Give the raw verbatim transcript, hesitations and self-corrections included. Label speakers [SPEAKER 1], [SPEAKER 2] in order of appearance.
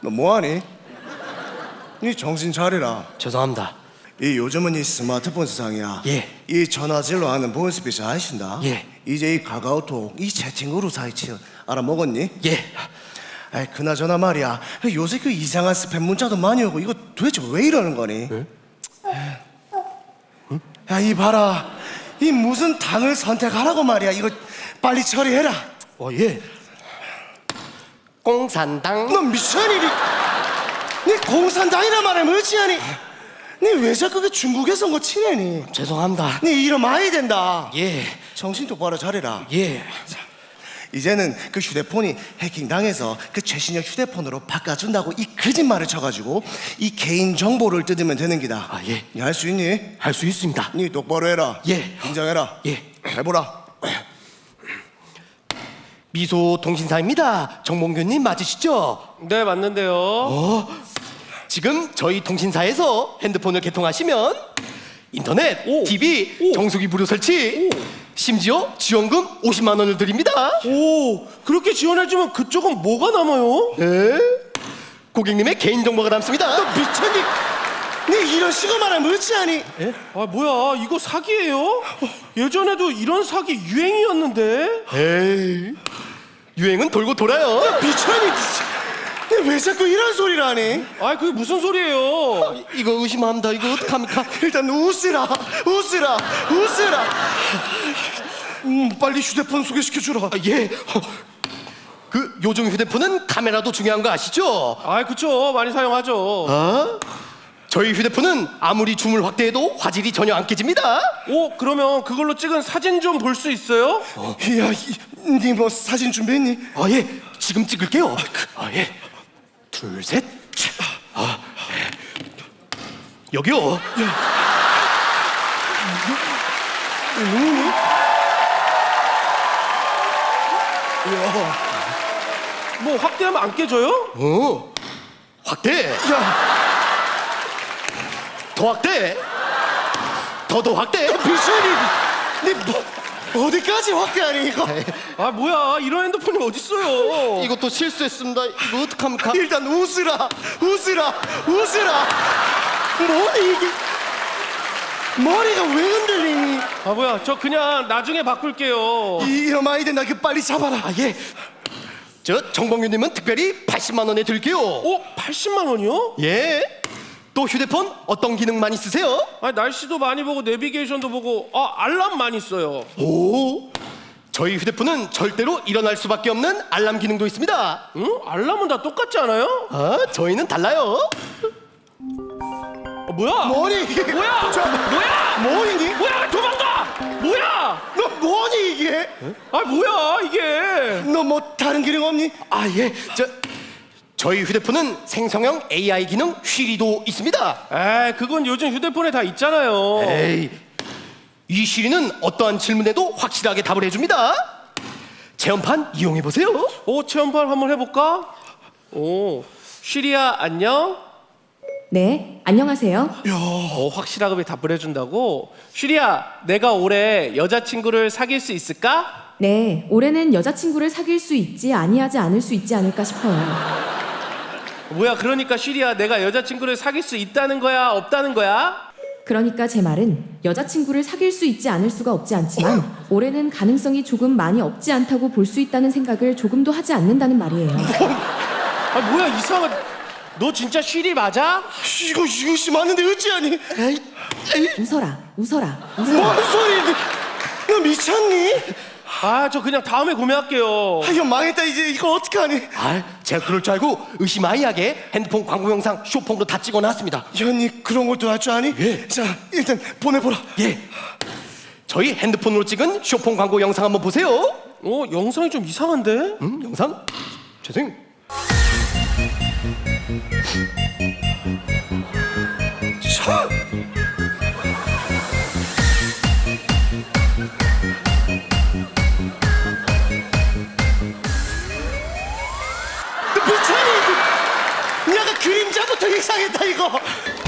[SPEAKER 1] 너 뭐하니? 니 정신 차리라.
[SPEAKER 2] 죄송합니다.
[SPEAKER 1] 이 요즘은 이 스마트폰 세상이야.
[SPEAKER 2] 예.
[SPEAKER 1] 이 전화질로 하는 보이스피치 아신다?
[SPEAKER 2] 예.
[SPEAKER 1] 이제 이 카카오톡, 이 채팅으로 사이치 알아먹었니?
[SPEAKER 2] 예.
[SPEAKER 1] 아이 그나저나 말이야. 요새 그 이상한 스팸 문자도 많이 오고 이거 도대체 왜 이러는 거니?
[SPEAKER 2] 예?
[SPEAKER 1] 야, 이 봐라. 이 무슨 당을 선택하라고 말이야. 이거 빨리 처리해라.
[SPEAKER 2] 어, 예. 공산당.
[SPEAKER 1] 너 미션이 니, 니 공산당이라 말하면 어찌하니? 니 왜 자꾸 그 중국에서 온 거 치내니?
[SPEAKER 2] 죄송합니다.
[SPEAKER 1] 니 이러면 아야 된다.
[SPEAKER 2] 예.
[SPEAKER 1] 정신 똑바로 차려라.
[SPEAKER 2] 예.
[SPEAKER 1] 이제는 그 휴대폰이 해킹당해서 그 최신형 휴대폰으로 바꿔준다고 이 거짓말을 쳐가지고 이 개인 정보를 뜯으면 되는 기다.
[SPEAKER 2] 아, 예.
[SPEAKER 1] 니 할 수 있니?
[SPEAKER 2] 할 수 있습니다.
[SPEAKER 1] 니 똑바로 해라.
[SPEAKER 2] 예.
[SPEAKER 1] 긴장해라.
[SPEAKER 2] 예.
[SPEAKER 1] 해보라.
[SPEAKER 2] 미소 통신사입니다. 정몽규님 맞으시죠?
[SPEAKER 3] 네, 맞는데요.
[SPEAKER 2] 어? 지금 저희 통신사에서 핸드폰을 개통하시면 인터넷,
[SPEAKER 3] 오.
[SPEAKER 2] 티비,
[SPEAKER 3] 오.
[SPEAKER 2] 정수기 무료 설치, 심지어 지원금 오십만 원을 드립니다.
[SPEAKER 3] 오, 그렇게 지원해주면 그쪽은 뭐가 남아요?
[SPEAKER 2] 네? 고객님의 개인정보가 남습니다.
[SPEAKER 1] 미쳤니? 니 이런 식으로 말하면 어찌하니?
[SPEAKER 3] 아, 뭐야, 이거 사기예요? 예전에도 이런 사기 유행이었는데.
[SPEAKER 2] 에이, 유행은 돌고 돌아요.
[SPEAKER 1] 미쳤니? 니 왜 자꾸 이런 소리를 하니?
[SPEAKER 3] 아, 그게 무슨 소리예요?
[SPEAKER 2] 이거 의심합니다. 이거 어떡합니까?
[SPEAKER 1] 일단 웃으라, 웃으라, 웃으라. 음, 빨리 휴대폰 소개시켜주라.
[SPEAKER 2] 아, 예. 어, 그 요즘 휴대폰은 카메라도 중요한 거 아시죠?
[SPEAKER 3] 아, 그쵸, 많이 사용하죠.
[SPEAKER 2] 어? 저희 휴대폰은 아무리 줌을 확대해도 화질이 전혀 안 깨집니다.
[SPEAKER 3] 오, 그러면 그걸로 찍은 사진 좀 볼 수 있어요?
[SPEAKER 1] 야, 니 뭐 사진 준비했니?
[SPEAKER 2] 아, 예. 지금 찍을게요. 아, 예. 둘, 셋. 아, 예. 여기요.
[SPEAKER 3] 뭐 확대하면 안 깨져요?
[SPEAKER 2] 어. 확대.
[SPEAKER 1] 야,
[SPEAKER 2] 더 확대. 더 더 확대.
[SPEAKER 1] 미션이, 니 뭐, 어디까지 확대하니 이거?
[SPEAKER 3] 아, 뭐야, 이런 핸드폰이 어딨어요?
[SPEAKER 2] 이것도 실수했습니다. 이거 어떡합니까?
[SPEAKER 1] 일단 웃으라, 웃으라, 웃으라. 뭐니 이게? 머리가 왜 흔들리니?
[SPEAKER 3] 아, 뭐야, 저 그냥 나중에 바꿀게요.
[SPEAKER 1] 이런 많이 된다. 그 빨리 잡아라.
[SPEAKER 2] 아, 예. 저 정봉규님은 특별히 팔십만 원에 드릴게요.
[SPEAKER 3] 오, 팔십만 원이요?
[SPEAKER 2] 예. 또 휴대폰 어떤 기능 많이 쓰세요?
[SPEAKER 3] 아, 날씨도 많이 보고 내비게이션도 보고 아, 알람 많이 써요.
[SPEAKER 2] 오. 저희 휴대폰은 절대로 일어날 수밖에 없는 알람 기능도 있습니다.
[SPEAKER 3] 응? 알람은 다 똑같지 않아요?
[SPEAKER 2] 아, 저희는 달라요.
[SPEAKER 3] 어, 뭐야?
[SPEAKER 1] 뭐니 이게?
[SPEAKER 3] 뭐야?
[SPEAKER 1] 저,
[SPEAKER 3] 뭐야?
[SPEAKER 1] 뭐니?
[SPEAKER 3] 뭐야? 도망가! 뭐야?
[SPEAKER 1] 너 뭐니 이게?
[SPEAKER 3] 아, 뭐야 이게?
[SPEAKER 1] 너 뭐 다른 기능 없니?
[SPEAKER 2] 아, 예. 저 저희 휴대폰은 생성형 에이아이 기능 쉬리도 있습니다.
[SPEAKER 3] 에이, 그건 요즘 휴대폰에 다 있잖아요.
[SPEAKER 2] 에이. 이 쉬리는 어떠한 질문에도 확실하게 답을 해줍니다. 체험판 이용해 보세요.
[SPEAKER 3] 오, 체험판 한번 해볼까? 오, 쉬리야 안녕.
[SPEAKER 4] 네, 안녕하세요.
[SPEAKER 3] 어, 확실하게 답을 해준다고? 쉬리야, 내가 올해 여자친구를 사귈 수 있을까?
[SPEAKER 4] 네, 올해는 여자친구를 사귈 수 있지 아니하지 않을 수 있지 않을까 싶어요.
[SPEAKER 3] 뭐야, 그러니까 쉬리야, 내가 여자친구를 사귈 수 있다는 거야, 없다는 거야?
[SPEAKER 4] 그러니까 제 말은 여자친구를 사귈 수 있지 않을 수가 없지 않지만 올해는 가능성이 조금 많이 없지 않다고 볼 수 있다는 생각을 조금도 하지 않는다는 말이에요.
[SPEAKER 3] 아, 뭐야, 이상한. 너 진짜 쉬리 맞아?
[SPEAKER 1] 이거 이것이 맞는데 어찌하니?
[SPEAKER 2] 에이, 에이.
[SPEAKER 4] 웃어라, 웃어라, 웃어라.
[SPEAKER 1] 뭔 소리니? 너 미쳤니?
[SPEAKER 3] 아, 저 그냥 다음에 구매할게요.
[SPEAKER 1] 아, 이거 망했다. 이제 이거 어떡하니?
[SPEAKER 2] 아, 제가 그럴 줄 알고 의심아이하게 핸드폰 광고 영상 쇼폼도 다 찍어놨습니다.
[SPEAKER 1] 현이 그런 것도 할 줄 아니?
[SPEAKER 2] 예.
[SPEAKER 1] 자, 일단 보내보라.
[SPEAKER 2] 예. 저희 핸드폰으로 찍은 쇼폼 광고 영상 한번 보세요.
[SPEAKER 3] 어, 영상이 좀 이상한데?
[SPEAKER 2] 음, 영상? 죄송.
[SPEAKER 1] 차! 너 미쳤니? 약간 그림자부터 이상했다 이거.